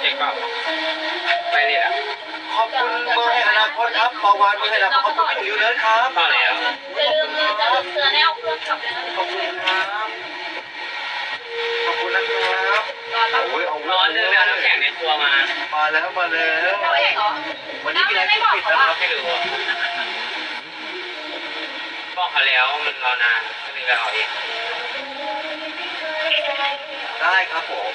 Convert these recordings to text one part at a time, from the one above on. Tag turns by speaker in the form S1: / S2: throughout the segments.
S1: เด็กเปล่าไปเลยอ่ะ
S2: ขอบคุณเบอร์แห่งอนาคตครับปาวานเบอร์แห่งอนาคตขอบคุณพี่หนูเนิร์ดครับ
S1: เปล่าแล้ว
S3: อย่าลืมเสือแนวเครื่องขับเลยนะ
S2: ขอบคุณครับขอบคุณนะครับโอ้ยเอา
S1: ร้อนเลยไปเอาน้ำแข็งในครัวมา
S2: แล้วมาแล้ว
S3: เราเองเหรอ
S2: วันนี้มีอะไรปิดนะครับ
S1: ไม่รู้บอกเขาแล้วมันรอนานก็เลยไปเอาเอง
S2: ได้ครับผม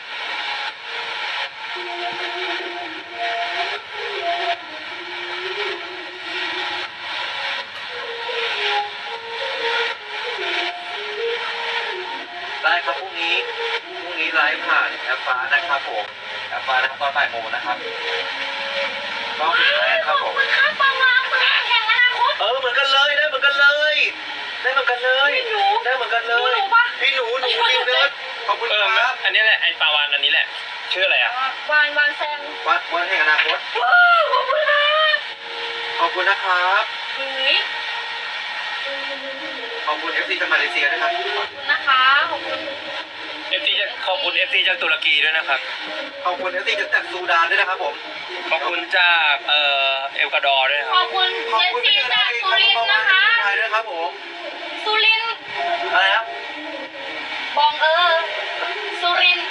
S2: ได้ครับพรุ่งนี้ไลฟ์ผ่านแอปฟ้านะครับผมแอปฟ้านะครับตอนบ่ายโมงนะครับก็ปิดแล้วครับผม
S3: ข้าวปลาวางเบอร์แห่งอนาคต
S2: เหมือนกันเลยได้เหมือนกันเลยได้เหมือนกันเลยได้เหมือนกันเลยพี่หนูนิวเนิร์ดขอบคุณครับ
S1: อันนี้แหละไอ้ปลาวานอันนี้แหละชื่ออะไรอ่ะ
S3: วานแซง
S2: วันแห่งอนาคต
S3: ขอบคุณค่ะ
S2: ขอบคุณนะครับ
S3: เฮ้ย
S2: ขอบคุณ FC จากมาเลเซียนะครับ
S3: ขอบคุณนะคะขอบคุณ
S1: FC จะขอบคุณ FC จากตุรกีด้วยนะครับ
S2: ขอบคุณ FC จากซูดานด้วยนะครับผม
S1: ขอบคุณจากเอลกวาดอร์ด้วยนะค
S3: ข
S1: รั
S3: อ
S1: บบ
S3: คุณเจสซี่จากสุรินทร์นะคะ
S2: ไทยด้วยครับผม
S3: สุรินทร์
S2: อะไรครับ
S3: บองสุรินทร์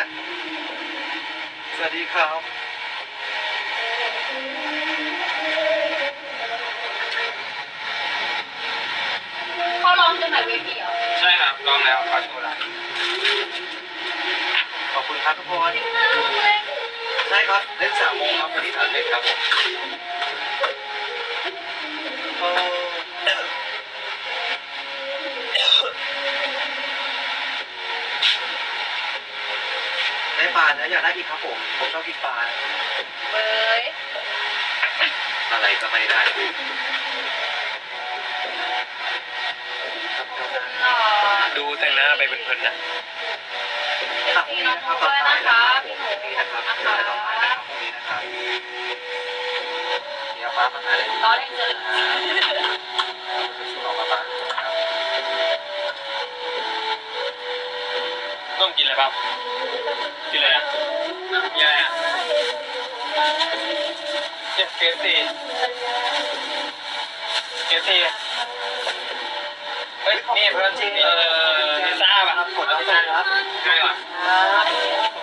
S2: สวัสดีครับ
S3: เขาลองจนแบบเวทีเหรอ
S1: ใช่ครับลองแล้วขอโชว์ละ
S2: ขอบคุณครับทุกคนใช่ครับเล่น3 โมงครับวันนี้เล่นครับผมได้ปลานะอยากได้อีกครับผมชอบกินปลา
S3: เบย
S2: อะไรก็ไม่ได้
S3: หล่อ
S1: ดูแต่งหน้าไปเพลินๆนะ
S2: ครับพรุ่งนี้นะครับตอนบ่ายนะครับผมพรุ่งนี้นะครับเจอกันตอนบ่ายนะครับพรุ่งนี้นะครับเดี๋ยวป้ามาหาอะไร
S3: ล้อเล่นเจอ
S2: สู้เราป้า
S1: ต้มกินอะไรบ้างกินอะไรอ่ะกินอะไรอ่ะเจ็บเกสตีเฮ้ยนี่เพื่อนพิซซ่าป่ะ
S2: กดแล้วครับ
S1: ง่ายกว่า
S2: ครับ